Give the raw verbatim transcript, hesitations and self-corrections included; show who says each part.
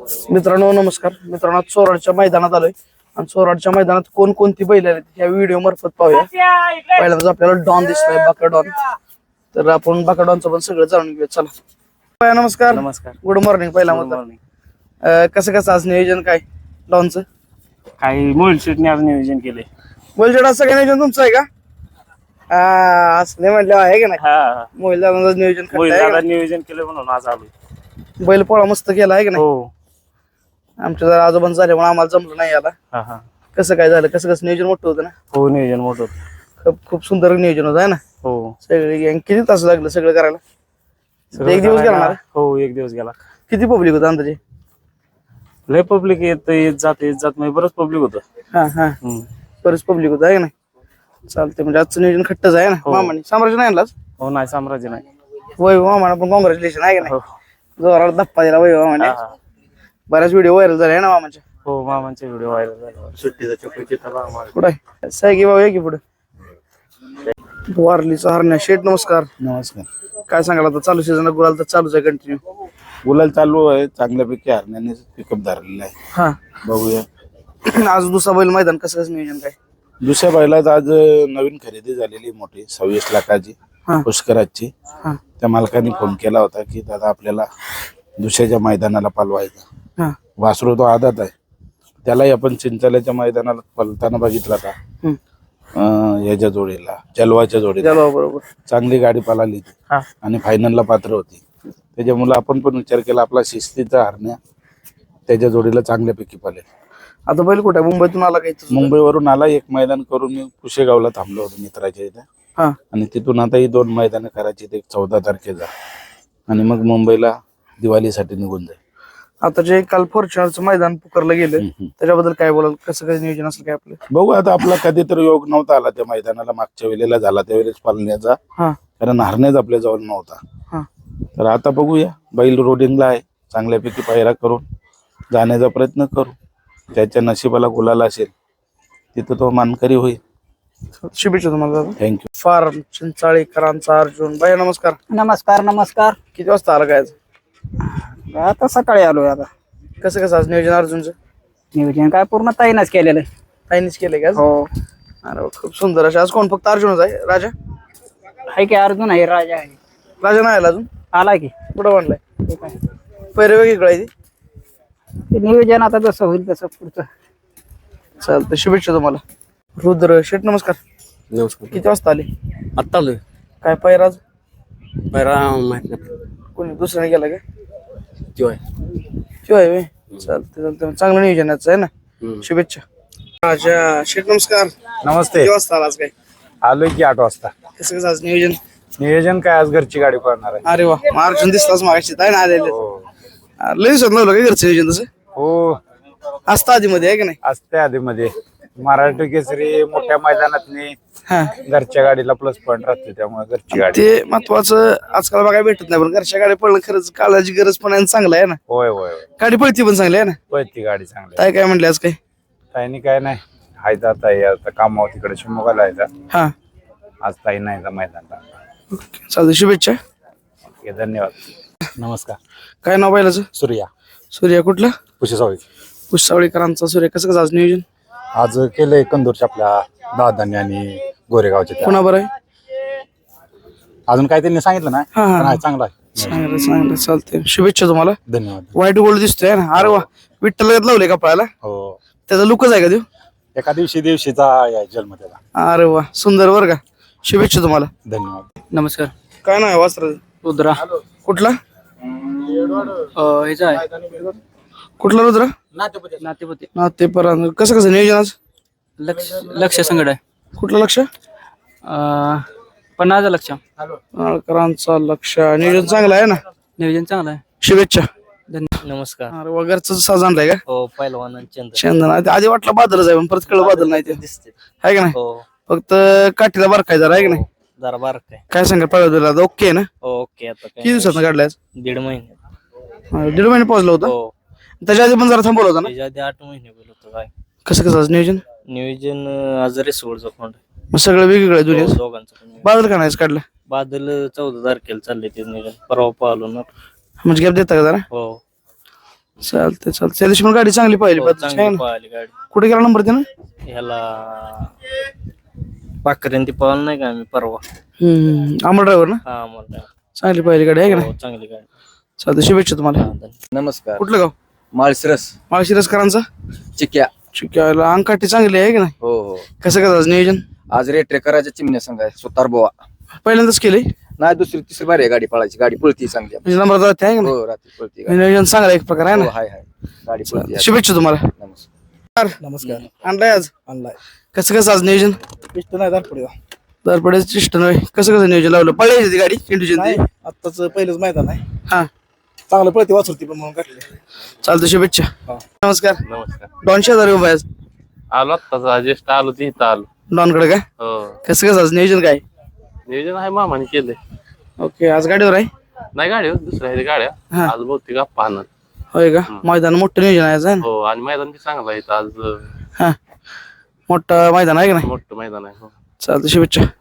Speaker 1: मित्रांनो नमस्कार. मित्रांनो चोराडच्या मैदानात आलोय आणि चोराडच्या मैदानात कोणकोणती बैल आहेत ह्या व्हिडिओ मार्फत पाहूया. पहिल्यांदाच आपल्याला डॉन दिसतोय, बाका डॉन. तर आपण बाका डॉनचं पण सगळं जाणून घेऊया. चला. नमस्कार.
Speaker 2: नमस्कार.
Speaker 1: Good morning. पहिला मग कसं कसं आज नियोजन काय डॉनचं?
Speaker 2: काही मोबाईल शेटने आज नियोजन केले.
Speaker 1: मोबाईल आज सगळं नियोजन तुमचं आहे का? हा असं नाही म्हटलं आहे का नाही?
Speaker 2: हा
Speaker 1: मोबाईल दादा नियोजन
Speaker 2: मोबाईल नियोजन केलं म्हणून आज आलो.
Speaker 1: बैल पोळा मस्त केला आहे का नाही?
Speaker 2: हो.
Speaker 1: आमच्या जरा आजोबा झाले म्हणून आम्हाला जमलं नाही याला.
Speaker 2: हा हा.
Speaker 1: कसं काय झालं? कसं कसं नियोजन मोठं होतं ना?
Speaker 2: हो नियोजन मोठं होतं.
Speaker 1: खूप खूप सुंदर नियोजन होतं आहे ना?
Speaker 2: हो.
Speaker 1: सगळे गँग किती तास लागलं सगळं करायला? एक दिवस गेला ना?
Speaker 2: हो एक दिवस गेला.
Speaker 1: किती पब्लिक होतं अंदाजे?
Speaker 2: लय पब्लिक येत येत जात येत जात म्हणजे बरंच पब्लिक होतं.
Speaker 1: हा हा. बरेच पब्लिक होतं आहे ना? चालते म्हणजे आजचं नियोजन खट्टच आहे ना? मामाने साम्राज्य नाही आणलाच?
Speaker 2: हो नाही साम्राज्य नाही.
Speaker 1: वय मामाना पण कॉंग्रॅच्युलेशन आहे का नाही?
Speaker 2: हो.
Speaker 1: जोराला धप्पा दिला वय मामाने. बऱ्याच व्हिडिओ व्हायरल झाले ना मामाच्या?
Speaker 2: हो मामांचे व्हिडिओ व्हायरल झाले. सुट्टीचा चक्की
Speaker 1: कुठे सायकी बाबा की पुढे वारलीचा हरण्या शेठ. नमस्कार.
Speaker 3: नमस्कार.
Speaker 1: काय सांगाल आता चालू सीझन गुलाल तर चालूच आहे कंटिन्यू?
Speaker 3: गुलाल चालू आहे चांगल्यापैकी हरण्याने पिकअप धरलेला आहे.
Speaker 1: हा
Speaker 3: बघूया
Speaker 1: आज दुसरा बैल मैदान कसं कसं नियोजन काय?
Speaker 3: दुसऱ्या बैलात आज नवीन खरेदी झालेली मोठी सव्वीस लाखाची पुष्कराची. त्या मालकाने फोन केला होता की दादा आपल्याला दुसऱ्याच्या मैदानाला पालवायचं. वासरू तो आदात आहे, त्यालाही आपण चिंचाल्याच्या मैदानाला पलताना बघितला का याच्या जोडीला जलवाच्या जोडीला
Speaker 1: बरोबर
Speaker 3: चांगली गाडी पळाली आणि फायनलला पात्र होती. त्याच्यामुळे आपण पण विचार केला आपला शिस्तीचा हरण्या त्याच्या जोडीला चांगल्यापैकी पळेल.
Speaker 1: आता बैल कुठे मुंबईतून आला काही?
Speaker 3: मुंबईवरून आला, एक मैदान करून मी कुशेगावला थांबलो होतो मित्राच्या इथे आणि तिथून आता ही दोन मैदान करायची एक चौदा तारखेला आणि मग मुंबईला दिवाळीसाठी निघून जाईल.
Speaker 1: आता जे काल फॉर्च्युनरचं मैदान पुकारलं गेलं त्याच्याबद्दल काय बोलाल? कसं कसं नियोजन असेल काय आपलं?
Speaker 3: बघू आता आपला कधीतरी योग नव्हता आला त्या मैदानाला, मागच्या वेळेला झाला त्यावेळेस पालण्याचा, कारण हरण्याच आपल्या जवळ नव्हता. तर आता बघूया, बैल रोडिंगला आहे, चांगल्यापैकी पायरा करून जाण्याचा प्रयत्न करू. त्याच्या नशिबाला गुलाल असेल तिथं तो मानकरी होईल.
Speaker 1: शुभेच्छा तुम्हाला दादा.
Speaker 3: थँक्यू.
Speaker 1: फार्म चिंचाळीकरांचा अर्जुन बाई. नमस्कार.
Speaker 4: नमस्कार. नमस्कार.
Speaker 1: किती वाजता आला काय?
Speaker 4: आता सकाळी आलोय. आता
Speaker 1: कसं कसं आज नियोजन अर्जुनचं?
Speaker 4: नियोजन काय पूर्ण ताईनच केलेलं.
Speaker 1: ताईनीच केलंय का?
Speaker 4: हो.
Speaker 1: अरे खूप सुंदर. अशा आज कोण फक्त अर्जुनच आहे? राजा
Speaker 4: आहे की? अर्जुन आहे, राजा आहे.
Speaker 1: राजा नाही आला अजून?
Speaker 4: आला की
Speaker 1: कुठं म्हणलाय?
Speaker 4: ठीक आहे.
Speaker 1: पहिरे वेगळीकडे आहे
Speaker 4: ते नियोजन आता जसं होईल तसं पुढचं.
Speaker 1: चालतं. शुभेच्छा तुम्हाला. रुद्र शेठ नमस्कार.
Speaker 5: नमस्कार.
Speaker 1: किती वाजता आले?
Speaker 5: आत्ता आलोय.
Speaker 1: काय पैराज
Speaker 5: पैरा माहित नाही.
Speaker 1: कोणी दुसऱ्याने गेला का?
Speaker 5: किंवा
Speaker 1: किंवा आहे. चालतं चालतं. चांगलं नियोजनाचं आहे ना? शुभेच्छा. राजा शेठ नमस्कार.
Speaker 6: नमस्ते.
Speaker 1: किती वाजता आला आज? काय
Speaker 6: आलोय की आठ वाजता.
Speaker 1: कसं कसं आज नियोजन?
Speaker 6: नियोजन काय आज घरची गाडी पळणार आहे.
Speaker 1: अरे वा, अर्जुन दिसलाच मागाशी आहे ना आलेले. लय दिवसात नव्हतं का घरचं नियोजन तसं?
Speaker 6: हो
Speaker 1: असतं आधी मध्ये आहे की नाही?
Speaker 6: असते आधी मध्ये. मराठी केसरी मोठ्या मैदानातनी
Speaker 1: हा
Speaker 6: घरच्या गाडीला प्लस पॉईंट राहते, त्यामुळे घरची गाडी.
Speaker 1: ते महत्वाचं आजकाल बघायला भेटत नाही, पण घरच्या गाडी पळणं खरंच काळाची गरज पण आहे, चांगलं आहे ना?
Speaker 6: होय होय होय.
Speaker 1: गाडी पळती पण चांगली आहे ना?
Speaker 6: पळती गाडी चांगली.
Speaker 1: काय काय म्हणले आज? काय
Speaker 6: ताईनी काय नाही, हाय जात आहे आता कामावर तिकडे शिमोगाला आहे.
Speaker 1: हा
Speaker 6: आज ताई नाही मैदानला.
Speaker 1: चालतं. शुभेच्छा.
Speaker 6: ओके धन्यवाद.
Speaker 5: नमस्कार.
Speaker 1: काय नाव बैलाचं?
Speaker 5: सूर्या
Speaker 1: सूर्या कुठला?
Speaker 5: कुशेसावळी.
Speaker 1: कुशावळीकरांचा सूर्य. कसं कसं आज नियोजन?
Speaker 5: आज केलंय कंदूरच्या आपल्या दादांनी आणि गोरेगावच्या त्या.
Speaker 1: पुन्हा बरं आहे?
Speaker 5: अजून काय त्यांनी सांगितलं नाही,
Speaker 1: हा, हा.
Speaker 5: पण आहे चांगला आहे.
Speaker 1: चांगलं चांगलं. चालतंय. शुभेच्छा तुम्हाला.
Speaker 5: धन्यवाद.
Speaker 1: व्हाईट गोल्ड दिसतोय ना? अरे वा, विठ्ठल लावले कपड्याला.
Speaker 5: हो.
Speaker 1: त्याचा लुकच आहे का देऊ?
Speaker 5: एका दिवशी दिवशीचा या जन्म त्याला.
Speaker 1: अरे वा, सुंदर बरं का. शुभेच्छा तुम्हाला.
Speaker 5: धन्यवाद.
Speaker 4: नमस्कार.
Speaker 1: काय नाव आहे वस्त्र?
Speaker 4: रुद्रा.
Speaker 1: कुठला?
Speaker 4: ह्याचा आहे
Speaker 1: कुठला रुद्र?
Speaker 4: नातेपती.
Speaker 1: ना ते पर कसं कसं नियोजन आज?
Speaker 4: लक्ष लक्ष संगड आहे.
Speaker 1: कुठलं लक्ष?
Speaker 4: पन्नास लक्ष.
Speaker 1: नाळकरांचा लक्ष. नियोजन चांगलं आहे ना?
Speaker 4: नियोजन चांगलं आहे.
Speaker 1: शुभेच्छा.
Speaker 4: नमस्कार.
Speaker 1: अरे वगैरेच साज आणलाय का?
Speaker 4: हो. पहिलवान चंद्र.
Speaker 1: चंदन आहे. आधी वाटलं बादलच आहे, पण परत कळलं बादल नाही ते.
Speaker 4: दिसते.
Speaker 1: आहे का नाही?
Speaker 4: हो.
Speaker 1: फक्त काठीला बारकाय जरा आहे का नाही?
Speaker 4: जरा बारक आहे.
Speaker 1: काय सांगा पाहिजे? ओके आहे ना?
Speaker 4: ओके. आता
Speaker 1: किती दिवसात काढलाय?
Speaker 4: दीड महिने.
Speaker 1: दीड महिने पोहोचला होता.
Speaker 4: हो.
Speaker 1: त्याच्या आधी पण जरा थांबवलं होता ना?
Speaker 4: त्याच्या आधी आठ महिने बोलतो. काय
Speaker 1: कसं कसं आज नियोजन?
Speaker 4: नियोजन आज रिसोडचं कोण
Speaker 1: मग सगळं वेगवेगळं आहे दुनिया.
Speaker 4: दोघांचं.
Speaker 1: बादल का नाही काढलं?
Speaker 4: बादल चौदा तारखेला चालले ते नियोजन. परवा पाहिलो ना.
Speaker 1: म्हणजे गॅप देता का जरा?
Speaker 4: हो.
Speaker 1: चालतंय चालतंय त्या दिवशी पण गाडी चांगली पाहिली
Speaker 4: हो,
Speaker 1: बदलाची, है
Speaker 4: चांगली
Speaker 1: ना?
Speaker 4: पळाली गाडी
Speaker 1: कुठे गेला नंबर त्यानं
Speaker 4: ह्याला पाखऱ्यांती पळाल नाही का आम्ही परवा
Speaker 1: हम्म अमर ड्रायव्हर ना
Speaker 4: हा मला
Speaker 1: चांगली पाहिली गाडी आहे का नाही
Speaker 4: हो, चांगली गाडी
Speaker 1: चालतंय शुभेच्छा तुम्हाला
Speaker 4: हा, धन्यवाद.
Speaker 7: नमस्कार
Speaker 1: कुठलं गाव
Speaker 7: माळशिरस
Speaker 1: माळशिरसकरांचा
Speaker 7: चिक्या
Speaker 1: चिक्याला अंगकाठी चांगली आहे की नाही
Speaker 7: हो हो
Speaker 1: कसं करायचं नियोजन
Speaker 7: आज रेट्रेकराच्या चिमण्या संघ आहे सुतार बोवा
Speaker 1: पहिल्यांदाच केलंय
Speaker 7: नाही दुसरी तिसरी बारी आहे गाडी पळायची गाडी पळती चांगली
Speaker 1: म्हणजे नंबर जाते आहे का नाही
Speaker 7: हो रात्री पळती गाडी
Speaker 1: नियोजन चांगला एक प्रकार आहे
Speaker 7: हो
Speaker 1: ना
Speaker 7: हाय हाय गाडी पळती आज.
Speaker 1: शुभेच्छा तुम्हाला
Speaker 7: नमस्कार
Speaker 1: नमस्कार आणलाय आज
Speaker 8: आणलाय
Speaker 1: कसं कसं आज नियोजन
Speaker 8: पिष्ट नाही दाखवली
Speaker 1: दरपडे चिष्ट नव्हे कसं कसं नियोजन लावलं पळायची ती गाडी चिंटूची
Speaker 8: नाही आत्ताच पहिलंच मैदान आहे
Speaker 1: हा
Speaker 8: चांगलं पळते वाचवती पण म्हणून काढले
Speaker 1: चालतं शुभेच्छा नमस्कार
Speaker 2: नमस्कार
Speaker 1: डॉन शेजारी उभा आहे आज
Speaker 2: आलो आत्ताच ज्येष्ठ आलो ते इथं आलो
Speaker 1: डॉनकडे काय
Speaker 2: हो
Speaker 1: कसं कसं आज नियोजन काय
Speaker 2: नियोजन आहे मामाने केलंय
Speaker 1: ओके आज गाडीवर आहे
Speaker 2: नाही गाड्या दुसऱ्या आहेत गाड्या
Speaker 1: हा.
Speaker 2: आज बहुतेक आप्पा आणत
Speaker 1: होय का मैदान मोठं नियोजन आहे आज आहे ना
Speaker 2: हो आणि मैदान बी चांगलं आहे इथं आज अं,
Speaker 1: हा मोठं मैदान आहे का नाही
Speaker 2: मोठं मैदान आहे हो
Speaker 1: चालतं शुभेच्छा